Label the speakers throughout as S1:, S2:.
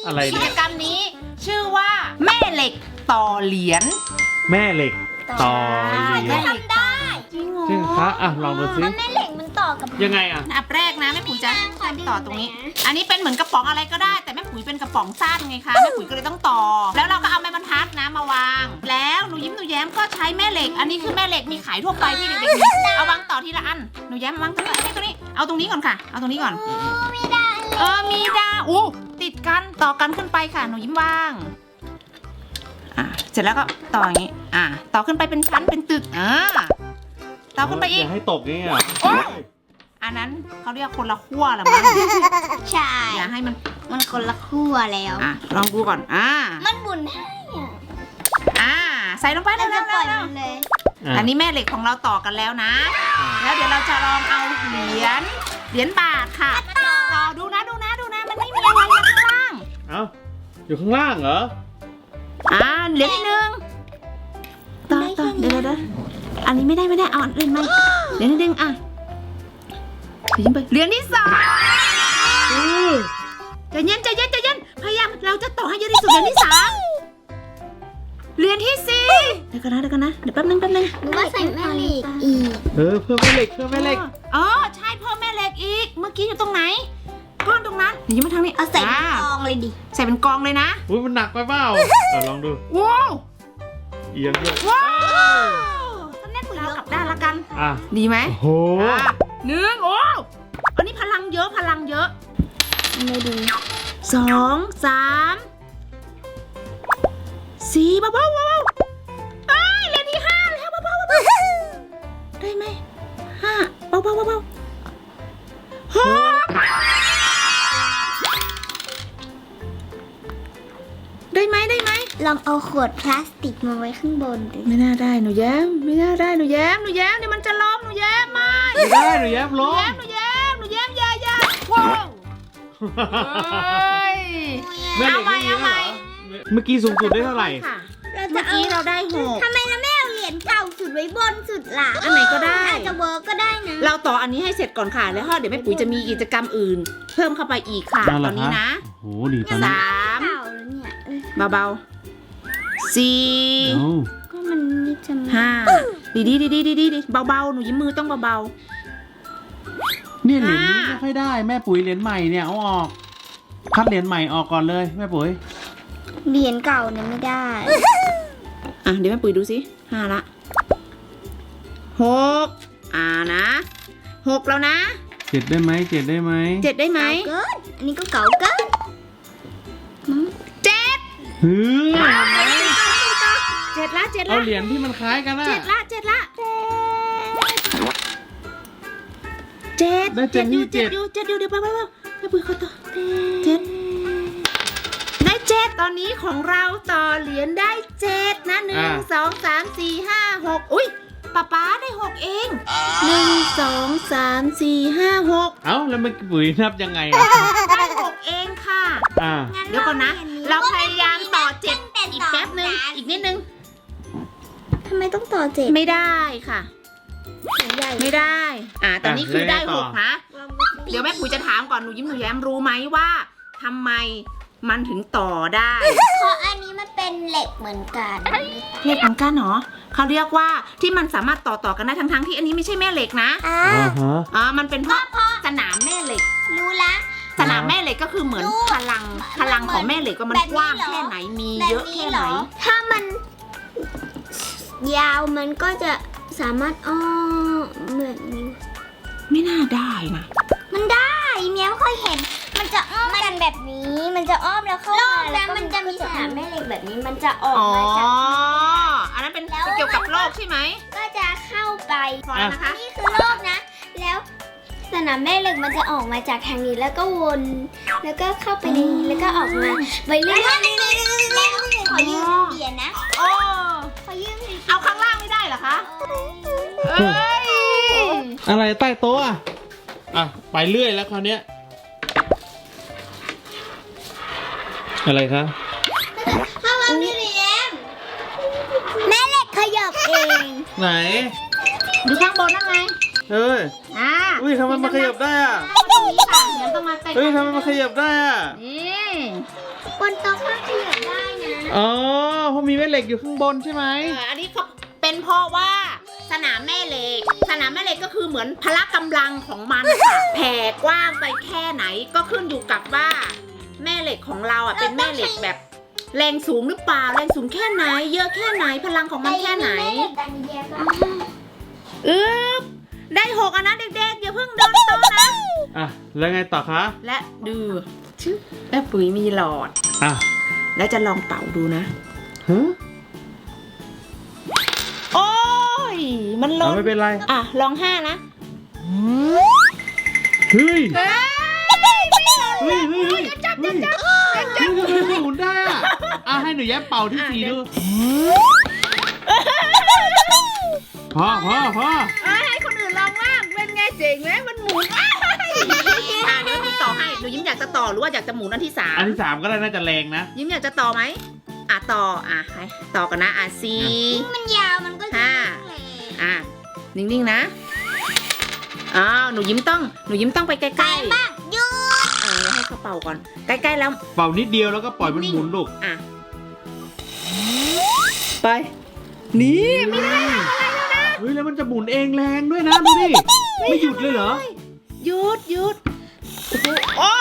S1: อะไร
S2: กิ
S1: เนี่
S2: จ
S1: ย
S2: กรรมนี้ชื่อว่าแม่เหล็กต่อเหรียญ
S1: แม่เหล็กต่อเหรียญ
S3: ทำได้
S2: จริงเหรอ
S1: จริงคะอ่ะลองดูสิ
S3: แม่เหล็กมันต่อกับ
S1: ยังไงอ่ะ
S2: อันแรกนะแม่ปุ๋ยจะต่อตรงนี้ อันนี้เป็นเหมือนกระป๋องอะไรก็ได้ แต่แม่ปุ๋ยเป็นกระป๋องสั้นไงคะแม่ปุ๋ยก็เลยต้องต่อ แล้วเราก็เอาไม้บรรทัดนะมาวาง แล้วหนูยิ้มหนูแย้มก็ใช้แม่เหล็ก อันนี้คือแม่เหล็กมีขายทั่วไปที่เด็กๆมีเอาวางต่อทีละอันหนูแย้มวางตรงนี้เอาตรงนี้ก่อนค่ะเอาตรงนี้ก่อน
S3: ไม่ได้
S2: มีดาวอู้ติดกันต่อกันขึ้นไปค่ะหนูยิ้มวางเสร็จแล้วก็ต่ออย่างนี้ต่อขึ้นไปเป็นชั้นเป็นตึกต่อขึ้นไปอีก
S1: อย่าให้ตกนี่อ่ะ
S2: อันนั้นเขาเรียกคนละขั้วละมั้ง
S3: ใช่
S2: อย่าให้มัน
S3: คนละขั้วแล้ว
S2: ลองดูก่อน
S3: มันหมุนให้
S2: ใส่ลงไป
S3: เรา
S2: แล้
S3: จะ
S2: ว
S3: ปล่อยมันเลย
S2: อันนี้แม่เหล็กของเราต่อกันแล้วนะ แล้วเดี๋ยวเราจะลองเอาเหรียญบาทค่ะต่อดูนะมันไม่มีอะไรข้างล่าง
S1: เอ้าอยู่ข้างล่างเหรอ
S2: เหรียญที่หนึ่งต่อเดี๋ยวอันนี้ไม่ได้เอาอันอื่นไหมเหรียญที่หนึ่งยิ้มไปเหรียญที่สองใจเย็นพยายามเราจะต่อให้เยอะที่สุดเหรียญที่สามเหรียญที่สี่เดี๋ยวกันนะเดี๋ยวแป๊บนึง
S3: หรือว่าใส่แม่เหล็กอีก
S1: เพิ่มแม่เหล็กใช่เพิ่มแม่เหล็ก
S2: อีกเมื่อกี้อยู่ตรงไหนก้อนตรงนั้นเดี๋ยวยิ้มมาทางนี้
S3: เอาใส่เป็นกองเลยดิ
S2: ใส่เป็นกองเลยนะ
S1: อุ้ยมันหนักไปเปล่าลองดู
S2: ว้าว
S1: เอียงด้วย
S2: ก็แน่นเรากลับด้านละกัน ดีไหม
S1: โอ้โห
S2: หนึ่งอันนี้พลังเยอะ
S3: ไม่ดี
S2: สองสามสี่เบาเหรียญที่ห้าแล้วเบาได้ไหมห้าเบาหกได้ไหม
S3: ลองเอาขวดพลาสติกมาไว้ข้างบนดิ
S2: ไม่น่าได้หนูแย้มเดี๋ยวมันจะล้มหนูแย้มมา
S1: ไม่ได้หนูแย้มล้ม
S2: หนูแย้มอย่าว้าว
S1: แม่เหล็กไม่มีแล้วเหรอเมื่อกี้สูงสุดได้เท่าไหร่
S2: เมื่อกี้เราได้6
S3: ทำไมเราไม่เอาเหรียญเก่าสุดไว้บนสุดล่ะ
S2: อันไหนก็ได้
S3: อาจจะเวิร์กก็ได้นะ
S2: เราต่ออันนี้ให้เสร็จก่อนค่ะ แล้วเดี๋ยวแม่ปุ๋ยจะมีกิจกรรมอื่น เพิ่มเข้าไปอีกค่ะ
S1: นั่นเหร
S2: ต
S1: อ
S2: อนนี้นะ
S1: โอ้โหดีตอนนี้
S2: สาม
S3: เก่าแล้วเนี่ย
S2: เบาๆสี่
S1: เอ้า
S3: ก็มันนี่จะมา
S2: ห้าดีเบาๆหนูยิ้มมือต้องเบา
S1: เนี่ยเหรียญนี้ไม่ค่อยได้แม่ปุ๋ยเหรียญใหม่เนี่ยเอาออกคัดเหรียญใหม่ออกก่อนเลยแม่ปุ๋ย
S3: เหรียญเก่าเนี่ยไม่ได้
S2: ๆเดี๋ยวแม่ปุ๋ยดูสิ5ละ6นะ6แล้วนะ
S1: 7ได้ไหม
S2: 7ได้ไหม
S3: เกินอันนี้ก็เก่าเกิน
S1: เฮ้ย
S2: 7ละ
S1: เอาเหรียญที่มันคล้ายกันอะ
S2: 7ละ
S1: ได้เจ็ดนี่เจ็ด
S2: อยู่เดี๋ยวไปแม่ปุ๋ยขอต่อ7ได้7ตอนนี้ของเราต่อเหรียญได้7นะ1 2 3 4 5 6อุ้ยป๊าได้6เอง1 2 3 4 5 6
S1: เอ้าแล้วแม่ปุ๋ยนับยังไงอะ
S2: ได้6เองค่ะเดี๋ยวก่อนนะเราพยายามต่อ7อีกแป๊บนึงอีกนิดนึง
S3: ทำไมต้องต่อเจ็ด
S2: ไม่ได้ค่ะ
S3: ใหญ่
S2: ไม่ได้ตอนนี้คือได้6นะเดี๋ยวแม่ปุ๋ยจะถามก่อนหนูยิ้มหนูแย้มรู้ไหมว่าทำไมมันถึงต่อได้
S3: เพราะอันนี้มันเป็นเหล็กเหมือนกัน
S2: เหล็กเหมือนกันเหรอเขาเรียกว่าที่มันสามารถต่อกันได้ทั้งที่อันนี้ไม่ใช่แม่เหล็กนะ มันเป็นเพราะสนามแม่เหล็ก
S3: รู้ละ
S2: สนามแม่เหล็กก็คือเหมือนพลังของแม่เหล็กว่ามันกว้างแค่ไหนมีเยอะแค่ไหน
S3: ถ้ามันยาวมันก็จะสามารถอ้อมเหมือนนี้
S2: ไม่น่าได้นะ
S3: มันได้เมียไม่ค่อยเห็น มันจะอ้อมกันแบบนี้ มันจะอ้อมแล้วเข้ามาแล้วมันจะมีสนามแม่เหล็กแบบนี้ มันจะออกมาจาก
S2: อันนั้นเป็นเกี่ยวกับโลกใช่ไหม
S3: ก็จะเข้าไป
S2: พอแล้วนะคะ
S3: นี่คือโลกนะ แล้วสนามแม่เหล็กมันจะออกมาจากทางนี้แล้วก็วน แล้วก็เข้าไปในนี้แล้วก็ออกมาไปเรื่อยๆแล้วขอยืมเหรียญนะ
S2: โอ้
S3: ขอยืมเหรียญ
S2: เอาข้างล่างไม่ได้เหรอคะเอ้ย
S1: อะไรใต้โต๊ะอ่ะไปเรื่อยแล้วคราวเนี้ยอะไรคะ
S3: พ่อว่าพี่เหรียญแม่เหล็กขยับเอง
S1: ไหน
S2: ดูข้างบนนั่นไง
S1: อุ้ยทำไมมันขยับได้อะ
S2: ตรงนี้ค่ะงั้นต้องมาใกล้ๆ
S1: ทำไมมันขยับได้อะ
S2: นี่
S3: บนโต๊ะก็ขยับได้นะ
S1: อ๋อเพราะมีแม่เหล็กอยู่ข้างบนใช่ไหม
S2: อันนี้เขาเป็นเพราะว่าสนามแม่เหล็ก สนามแม่เหล็กก็คือเหมือนพละกำลังของมันค่ะ แผ่กว้างไปแค่ไหนก็ขึ้นอยู่กับว่าแม่เหล็กของเราอ่ะเป็นแม่เหล็กแบบแรงสูงหรือเปล่าแรงสูงแค่ไหน เยอะแค่ไหนพลังของมันแค่ไหน ได้6อันนะเด็กๆอย่าเพิ่งโดนโตะนะ
S1: อ่ะแล้วไงต่อคะ
S2: และดูชื่อแม่ปุ๋ยมีหลอด
S1: อ่ะ
S2: แล้วจะลองเป่าดูนะ
S1: ฮะ
S2: โอ้ยมันล้
S1: เอา
S2: น
S1: ไม่เป็นไร
S2: อ่ะลอง5นะ
S1: เฮ้ย
S2: เฮ้ย
S1: เฮ้ยเฮ้ยเฮ้ยทำไมมันหมุนได้อ่ะอ่ะให้หนูแย้มเป่าที่4ดูพอ
S2: ให้คนอื่นลองบ้างเป็นไงเจ๋งไหมมันหมุนเดี๋ยวหนูต่อให้หนูยิ้มอยากจะต่อหรือว่าอยากจะหมุนอันที่
S1: อันที่3ก็ได้น่าจะแรงนะ
S2: 3ยิ้มอยากจะต่อไหมต่อให้ต่อกันนะ4
S3: มันยาวมันก็จะ
S2: 5นิ่งๆนะหนูยิ้มต้องไปใกล้ๆ
S3: บ้างยู
S2: ให้เขาเป่าก่อนใกล้ๆแล้ว
S1: เป่านิดเดียวแล้วก็ปล่อยมันหมุนลูก
S2: ไปนี่ไม่ได้
S1: เฮ้ยแล้วมันจะหมุนเองแรงด้วยนะดูดิไม่หยุดเลยเหรอ
S2: หยุดโอ้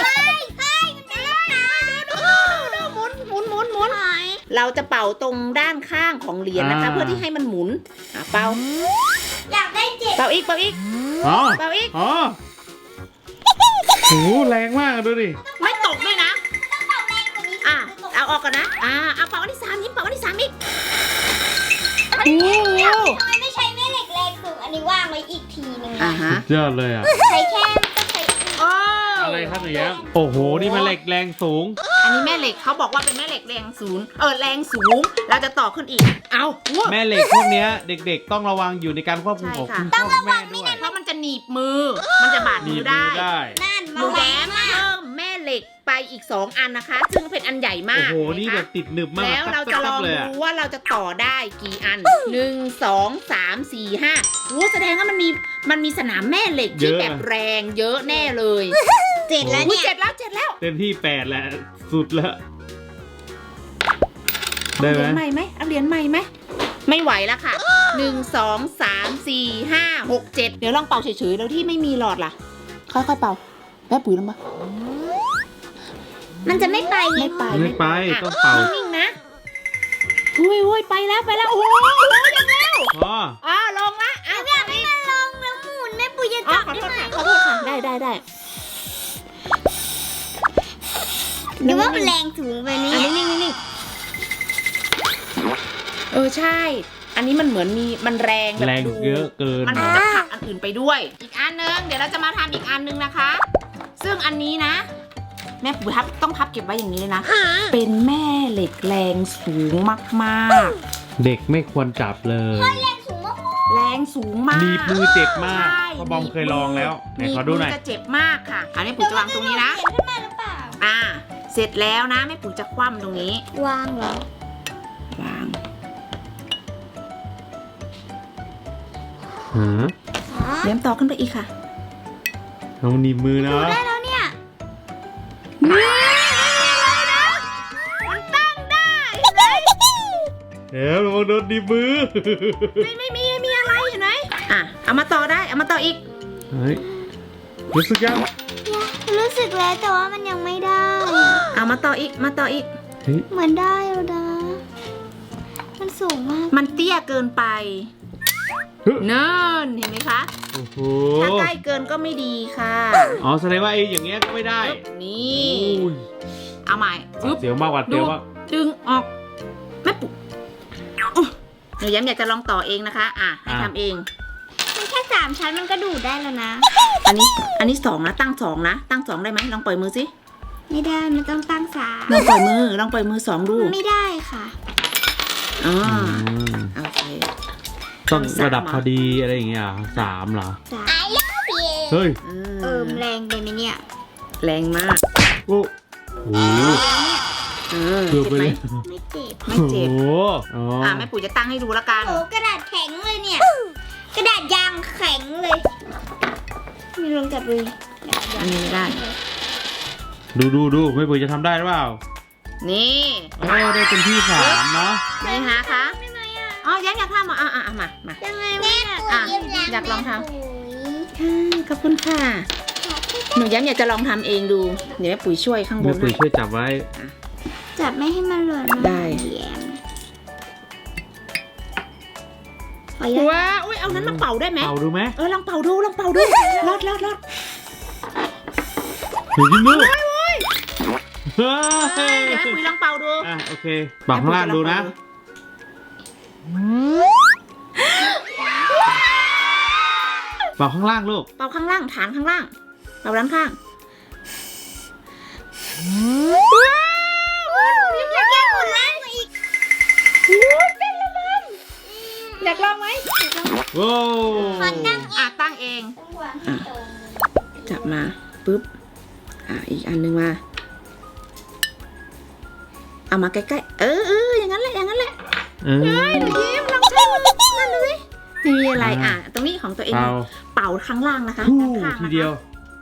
S2: หมุนเราจะเป่าตรงด้านข้างของเหรียญนะคะ เพื่อที่ให้มันหมุนเป่า
S3: อยากได้7
S2: เป่าอีก
S1: อ๋อ
S2: เป่าอีก
S1: อ๋อโหแรงมากดูดิ
S2: ไม่ตกด้วยนะ
S3: ต้องเป่าแรงกว่านี้
S2: เอาออกก่อนนะเอาเป่าอันที่3ยิ้มเป่าอันที่3อีก
S3: ทำไมไม่ใช้แม่เหล็กแรงสูงอันนี้ว่างไว้อีกทีนึง
S2: ฮะ
S1: ยอดเลยอ่ะ
S3: ใช้แค่ก็ใช้
S1: อะไรครับหนูแย้มโอ้โหนี่มันเหล็กแรงสูง
S2: อันนี้แม่เหล็กเขาบอกว่าเป็นแม่เหล็กแรงสูงแรงสูงเราจะต่อขึ้นอีกวัว
S1: แม่เหล็กพวกเนี้ยเด็กๆต้องระวังอยู่ในการควบคุมของคุณพ่อแม่ด้วย
S2: เพราะมันจะหนีบมือ มันจะบาด
S1: หนี
S2: มื
S1: บ
S2: อ
S1: มื
S2: ได้
S1: อได้
S3: นั่น
S2: หนูแย้มเพิ่มแม่เหล็กไปอีก2อันนะคะ ซึ่งเป็นอันใหญ่มา
S1: โอ้
S2: ก
S1: โหนี่แบบติดหนึบมาก
S2: แล้วเราจะลอง
S1: เลยอ่ะ
S2: ดูว่าเราจะต่อได้กี่อัน 1 2 3 4 5แสดงว่ามันมีสนามแม่เหล็กที่แบบแรงเยอะแน่เลย
S3: 7 แล้วเนี่ย
S2: เจ็ดแล้ว
S1: เต็มที่8แหละสุดแล้วได้
S2: เอา
S1: ไห
S2: เห
S1: ม
S2: รียญใหม่ไหมเอาเหรียญใหม่ไหมไม่ไหวแล้วค่ะ 1 2 3 4 5 6 7เดี๋ยวลองเป่าเฉยๆแล้วที่ไม่มีหลอดล่ะค่อยๆเป่าแม่ปุ๋ยลงมา
S3: มันจะไม่ไป
S2: ไม่ไป
S1: ไม่ไปต้องเป่า
S2: นิ่งๆนะอุ้ยไปแล้วโอ้โหยังแล้ว
S1: พอ
S2: ลงละ
S3: อยากให้มันลงแล้วหมุนแม่ปุ๋ยจะ
S2: ข
S3: จั
S2: อบ โทษค่ะได้
S3: หรือว่ามันแรงสูงไปนี่
S2: นิ่งใช่ อันนี้มันเหมือนมันแรงแบบ
S1: แรงเยอะเกิน
S2: มันจะผลักอันอื่นไปด้วย อีกอันนึงเดี๋ยวเราจะมาทำอีกอันนึงนะคะ ซึ่งอันนี้นะ แม่ปุ๋ยต้องพับเก็บไว้อย่างนี้เลยนะ เป็นแม่เหล็กแรงสูงมาก
S1: เด็กไม่ควรจับเลย
S3: แรงสูงมาก
S2: ๆ แรงสูงมาก
S1: หนีบมือเจ็บมาก
S2: ใช่
S1: เพราะบอมเคยลองแล้วไหน
S2: หนีบ
S1: ขอดูหน่อย
S2: มืจะเจ็บมากค่ะ อันนี้ปุ๋ยจะวางตรงนี้นะ
S3: เขียนขึ้นมาหรือเปล่า
S2: เสร็จแล้วนะแม่ปุ๋ยจะคว่ำตรงนี้
S3: วางเหรอ
S2: วาง
S1: ฮะ
S2: เลี้ยมต่อขึ้นไปอีกค่ะ
S1: เอาหนีบมือนะ
S3: ได้แล้วเนี่ย
S2: มันตั้งได้เลย
S1: เดี๋ยวเราโดนหนีบมือ
S2: ไม่มีอะไรเห็นไหมเอามาต่อได้เอามาต่ออีก
S1: เฮ้ยรู้สึกยัง
S3: รู้สึกแล้วแต่ว่ามันยังไม่ได้
S2: เอามาต่ออีก
S1: เฮ้ย
S3: เหมือนได้แล้วนะ มันสูงมาก
S2: มันเตี้ยเกินไปเนิ่นเห็นไหมคะ
S1: โอ้โห
S2: ถ้าใกล้เกินก็ไม่ดีค่ะ
S1: อ๋อแสดงว่าไอ้อย่างเงี้ยก็ไม่ได้
S2: นี่
S1: โอ้ย
S2: เอาใหม่ปึ๊บ
S1: เสียวมากกว่าเสียวมาก
S2: ดึงออกแม่ปุ๊หนูย้ำอยากจะลองต่อเองนะคะให้ทำเอง
S3: มันแค่3 ชั้นมันก็ดูดได้แล้วนะ
S2: อันนี้2นะตั้ง2นะตั้ง2ได้ไหมลองปล่อยมือสิ
S3: ไม่ได้ มันต้องตั้ง
S2: ลองปล่อยมือ2ดู
S3: 3ไม่ได้ค่ะ
S2: อ๋อ
S1: ม
S2: โอเค
S1: ต้องระดับพอดีอะไรอย่างเงี้ย3เหรอ
S3: I love you
S1: เฮ้ย
S3: แรงไปไหมเนี่ย
S2: แรงมาก
S1: โอ้โห เกือบไปเลย
S3: ไม่เจ็บ
S2: ไม่เจ็บ
S1: โอ้โหอ๋อ
S2: แม่ปุ๋ยจะตั้งให้ดูละกัน
S3: โอ้กระดาษแข็งเลยเนี่ย กระดาษยางแข็งเลย มีลองจับเลย
S2: อันนี้ไม่ได้
S1: ดูแม่ปุ๋ยจะทำได้หรือเปล่า
S2: นี่
S1: ได้เป็นที่3เนาะ
S2: นี่นะคะอ๋อแย้มอยากทำเหรอมา
S3: ยังไงแม่ปุ๋ยยิ้มแย้ม
S2: อยากลองทำ
S3: ปุ๋ย
S2: ขอบคุณค่ะหนูแย้มอยากจะลองทำเองดูเดี๋ยวแม่ปุ๋ยช่วยข้างบ
S1: แม่
S2: น
S1: ปุ๋ย
S2: ให้
S1: ช่วยจับไว้
S3: จับไม่ให้มันหล่น
S2: ได้
S3: แย้มขออนุญาต
S2: ว้าอุ้ยเอานั้นมาเป่าได้ไหม
S1: เป่าดูไหม
S2: ลองเป่าดูรอด
S1: หนูยิ้มดูเฮ้
S2: เดี๋ยวให้ปุ๋ยลองเป่าดู
S1: โอเคเป่าข้างล่างดูนะเป่าข้างล่างลูก
S2: เป่าข้างล่างฐานข้างล่างเป่าด้านข้างอยากแก้หมดเลยอีกเป็นละมันอยากลองไหม
S1: โว้
S2: ตั้งเอง จับมาปุ๊บอีกอันหนึงมาเอามาใกล้ๆอย่างนั้นแหละหนูยิ้มลองทำนั่นดูสิไม่มีอะไรตรงนี้ของตัวเอง เป่าข้างล่างนะคะ
S1: ฮู้
S2: ด้านข้าง
S1: ที
S2: นะคะ
S1: เดียว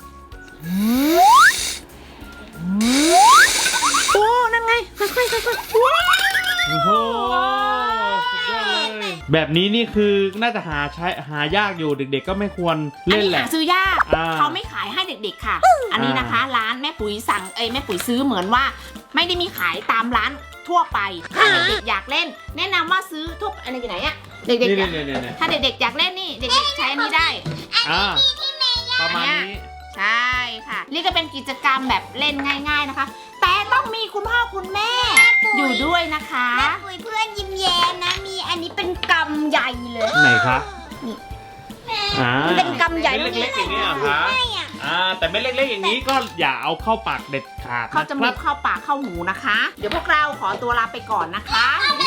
S2: โอ้นั่นไงค่อยๆว้าว
S1: โอ้โหสุดยอดเลยแบบนี้นี่คือน่าจะหายากอยู่เด็กๆก็ไม่ควร
S2: อัน
S1: เล่น
S2: นี้
S1: แหละ
S2: หาซื้อยาก
S1: อ่า
S2: เขาไม่ขายให้เด็กๆค่ะ อันนี้นะคะ ร้านแม่ปุ๋ยสั่งแม่ปุ๋ยซื้อเหมือนว่า ไม่ได้มีขายตามร้านทั่วไปถ้าเด็กๆอยากเล่น แนะนำว่าซื้อทุกอันนี้ที่ไหนอะเด็กๆอยาก
S1: นี่
S2: ถ้าเด็กๆอยากเล่นนี่เด็กๆใช้อันนี้ได้
S1: ประมาณนี้
S2: ใช่ค่ะ นี่ก็เป็นกิจกรรมแบบเล่นง่าย ๆนะคะ แต่ต้องมีคุณพ่อคุณแม่ อยู่ด้วยนะคะ
S3: แม่ปุ๋ยเพื่อนยิ้มแย้มนะมีอันนี้เป็นกำใหญ่เลย
S1: ไหนคะ
S2: นี่
S3: มันเป็นกำใหญ่
S1: เล็กๆอย่างนี้เหรอคะ
S3: ไม่อะ
S1: แต่ไม่เล็กๆอย่างนี้ก็อย่าเอาเข้าปากเด็ดขาด
S2: เข้าจมู
S1: นะครั
S2: ก
S1: บ
S2: เข้าปากเข้าหูนะคะ เดี๋ยวพวกเราขอตัวลาไปก่อนนะคะ